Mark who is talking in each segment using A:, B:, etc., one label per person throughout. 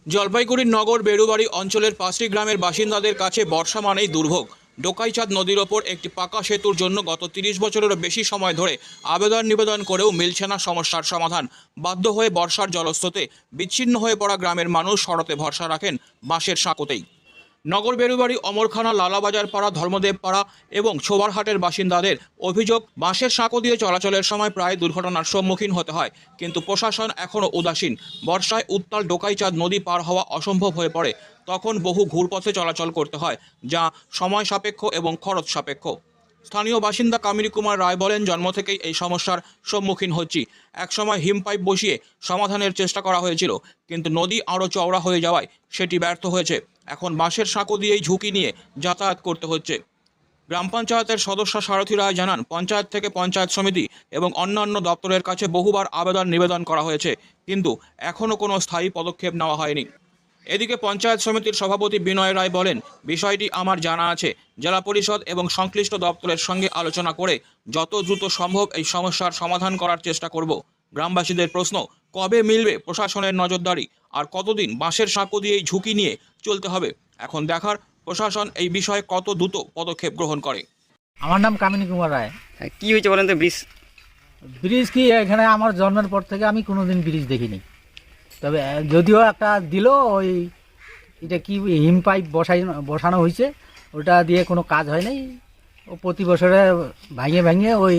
A: জলপাইগুড়ির নগর বেড়ুবাড়ি অঞ্চলের 5টি গ্রামের বাসিন্দাদের কাছে বর্ষা মানেই দুর্ভোগ। ডোকাইচাঁদ নদীর ওপর একটি পাকা সেতুর জন্য গত 30 বছরেরও বেশি সময় ধরে আবেদন নিবেদন করেও মিলছে না সমস্যার সমাধান। বাধ্য হয়ে বর্ষার জলস্রোতে বিচ্ছিন্ন হয়ে পড়া গ্রামের মানুষ শরতে ভরসা রাখেন বাঁশের সাঁকোতেই। নগর বেড়ুবাড়ি, অমরখানা, লালাবাজার পাড়া, ধর্মদেব পাড়া এবং ছোবারহাটের বাসিন্দাদের অভিযোগ, বাঁশের সাঁকো দিয়ে চলাচলের সময় প্রায় দুর্ঘটনার সম্মুখীন হতে হয়, কিন্তু প্রশাসন এখনও উদাসীন। বর্ষায় উত্তাল ডোকাইচাঁদ নদী পার হওয়া অসম্ভব হয়ে পড়ে। তখন বহু ঘুরপথে চলাচল করতে হয়, যা সময় সাপেক্ষ এবং খরচ সাপেক্ষ। স্থানীয় বাসিন্দা কামিনী কুমার রায় বলেন, জন্ম থেকেই এই সমস্যার সম্মুখীন হচ্ছি। একসময় হিম পাইপ বসিয়ে সমাধানের চেষ্টা করা হয়েছিল, কিন্তু নদী আরও চওড়া হয়ে যাওয়ায় সেটি ব্যর্থ হয়েছে। এখন বাঁশের সাঁকো দিয়েই ঝুঁকি নিয়ে যাতায়াত করতে হচ্ছে। গ্রাম পঞ্চায়েতের সদস্য সারথী রায় জানান, পঞ্চায়েত থেকে পঞ্চায়েত সমিতি এবং অন্যান্য দপ্তরের কাছে বহুবার আবেদন নিবেদন করা হয়েছে, কিন্তু এখনও কোনো স্থায়ী পদক্ষেপ নেওয়া হয়নি। এদিকে পঞ্চায়েত সমিতির সভাপতি বিনয় রায় বলেন, বিষয়টি আমার জানা আছে। জেলা পরিষদ এবং সংশ্লিষ্ট দপ্তরের সঙ্গে আলোচনা করে যত দ্রুত সম্ভব এই সমস্যার সমাধান করার চেষ্টা করব। গ্রামবাসীদের প্রশ্ন, কবে মিলবে প্রশাসনের নজরদারি, আর কতদিন বাঁশের সাঁকো দিয়েই ঝুঁকি নিয়ে চলতে হবে? এখন দেখার প্রশাসন এই বিষয়ে কত দ্রুত পদক্ষেপ গ্রহণ করে।
B: আমার নাম কামিনী কুমার রায়।
C: কি হয়েছে বলেন তো?
B: ব্রিজ কি এখানে আমার জন্মের পর থেকে আমি কোনোদিন ব্রিজ দেখিনি। তবে যদিও একটা দিল, ওই এটা কি হিম পাইপ বসানো হয়েছে, ওটা দিয়ে কোনো কাজ হয় নাই। ও প্রতি বছরে ভাঙিয়ে ভাঙিয়ে ওই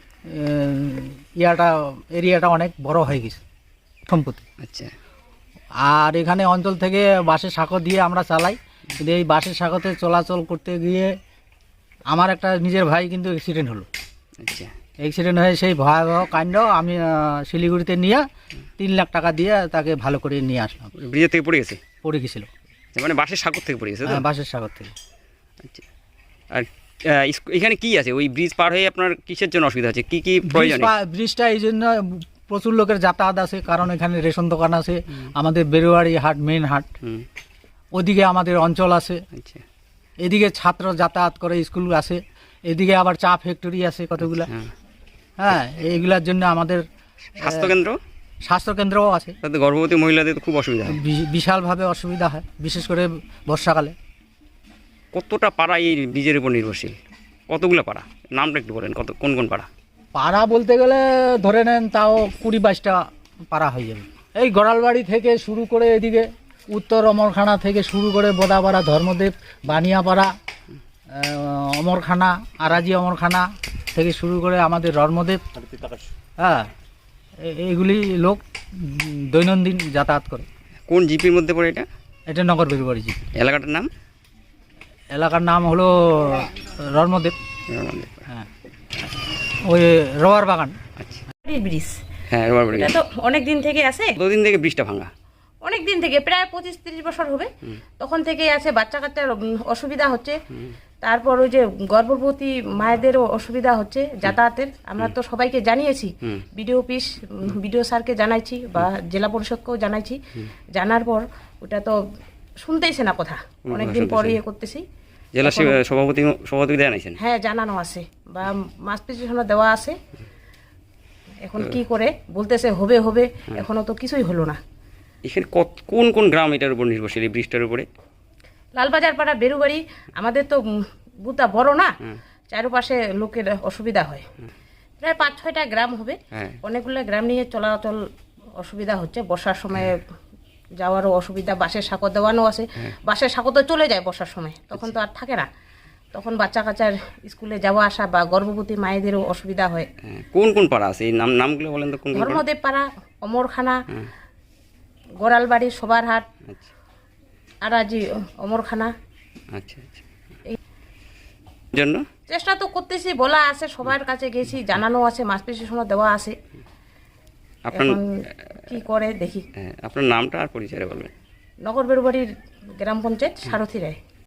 B: এরিয়াটা অনেক বড় হয়ে গেছে সম্পত্তি।
C: আচ্ছা।
B: আর এখানে অঞ্চল থেকে বাঁশের সাঁকো দিয়ে আমরা চালাই, কিন্তু এই বাঁশের সাঁকোতে চলাচল করতে গিয়ে আমার একটা নিজের ভাই কিন্তু অ্যাক্সিডেন্ট হলো।
C: আচ্ছা।
B: অ্যাক্সিডেন্ট হয়ে সেই ভয়াবহ কাণ্ড আমি শিলিগুড়িতে নিয়ে 3 লাখ টাকা দিয়ে তাকে ভালো করে নিয়ে আসলাম।
C: ব্রিজের থেকে পড়ে গেছে?
B: পড়ে গেছিল।
C: মানে বাঁশের সাগর থেকে পড়ে গেছে?
B: হ্যাঁ, বাঁশের সাগর থেকে।
C: আচ্ছা। আর এখানে কি আছে? ওই ব্রিজ পার হয়ে আপনার কিসের জন্য অসুবিধা আছে? কি কি প্রয়োজন?
B: ব্রিজটা এই জন্য প্রচুর লোকের যাতায়াত আছে, কারণ এখানে রেশন দোকান আছে, আমাদের বেরুয়ারি হাট মেন হাট, ওদিকে আমাদের অঞ্চল আছে।
C: আচ্ছা।
B: এদিকে ছাত্র যাতায়াত করে, স্কুল আছে, এদিকে আবার চা ফ্যাক্টরি আছে কতগুলা। হ্যাঁ, এইগুলার জন্য আমাদের স্বাস্থ্যকেন্দ্রও আছে।
C: তাতে গর্ভবতী মহিলাদের তো খুব অসুবিধা হয়।
B: বিশালভাবে অসুবিধা হয়, বিশেষ করে বর্ষাকালে।
C: কতটা পাড়া এই ব্রিজের উপর নির্ভরশীল? কতগুলো পাড়া? নামটা একটু বলেন, কোন কোন পাড়া?
B: পাড়া বলতে গেলে ধরে নেন তাও 20-22টা পাড়া হয়ে যাবে। এই গড়ালবাড়ি থেকে শুরু করে এদিকে উত্তর অমরখানা থেকে শুরু করে বোদাপাড়া, ধর্মদেব, বানিয়াপাড়া, অমরখানা, আরাজি অমরখানা থেকে শুরু করে আমাদের ধর্মদেব। হ্যাঁ, এইগুলি লোক দৈনন্দিন যাতায়াত করে।
C: কোন জিপির মধ্যে পড়ে এটা?
B: এটা নগর বেরুবাড়ি জিপি।
C: এলাকাটার নাম?
B: এলাকার নাম হলো ধর্মদেব। হ্যাঁ, ওই রবার বাগান।
C: আচ্ছা।
D: ব্রিজ।
C: হ্যাঁ, রবার বাগান।
D: এটা তো অনেক দিন থেকে আছে।
C: কতদিন থেকে ব্রিজটা ভাঙা?
D: অনেক দিন থেকে, প্রায় 25-30 বছর হবে। তখন থেকেই আছে, বাচ্চা কাচ্চার অসুবিধা হচ্ছে। তারপর ওই যে গর্ভবতী মায়েদেরও অসুবিধা হচ্ছে যাতায়াতের। আমরা তো সবাইকে জানিয়েছি, বিডিও অফিস, বিডিও স্যারকে জানাইছি বা জেলা পরিষদকেও জানাইছি। জানার পর ওটা তো শুনতেইছে না কথা, অনেকদিন পর ইয়ে করতেছি।
C: জেলা সভাপতি জানাইছেন?
D: হ্যাঁ, জানানো আছে বা মাস পিটিশনও দেওয়া আছে। এখন কি করে বলতেছে হবে হবে, এখনো তো কিছুই হলো না।
C: এখানে কোন কোন গ্রাম এটার উপর নির্ভরশীল, এই ব্রিজটার উপরে?
D: লালবাজার পাড়া, বেরুবাড়ি, আমাদের তো বুথটা বড় না, চারপাশে লোকের অসুবিধা হয়। প্রায় 5-6টা গ্রাম হবে। অনেকগুলো গ্রাম নিয়ে চলাচল অসুবিধা হচ্ছে। বর্ষার সময় যাওয়ারও অসুবিধা, বাঁশের সাঁকো দেওয়ানো আছে। বাঁশের সাঁকো তো চলে যায় বর্ষার সময়, তখন তো আর থাকে না। তখন বাচ্চা কাচ্চার স্কুলে যাওয়া আসা বা গর্ভবতী মায়েদেরও অসুবিধা হয়।
C: কোন কোন পাড়া আছে? এই নামগুলো বলেন তো।
D: ধর্মদেব পাড়া, অমরখানা, গোড়ালবাড়ি, সবারহাট, আরাজি অমরখানা।
C: আচ্ছা আচ্ছা। জন্য
D: চেষ্টা তো করতেছি, বলা আছে, সবার কাছে গেছি, জানানো আছে, মাস পিটিশনও দেওয়া আছে।
C: আপনার
D: কি করে দেখি।
C: আপনার নামটা আর পরিচয় বলবেন।
D: নগর বেরুবাড়ির গ্রাম পঞ্চায়েত সারথী রায়।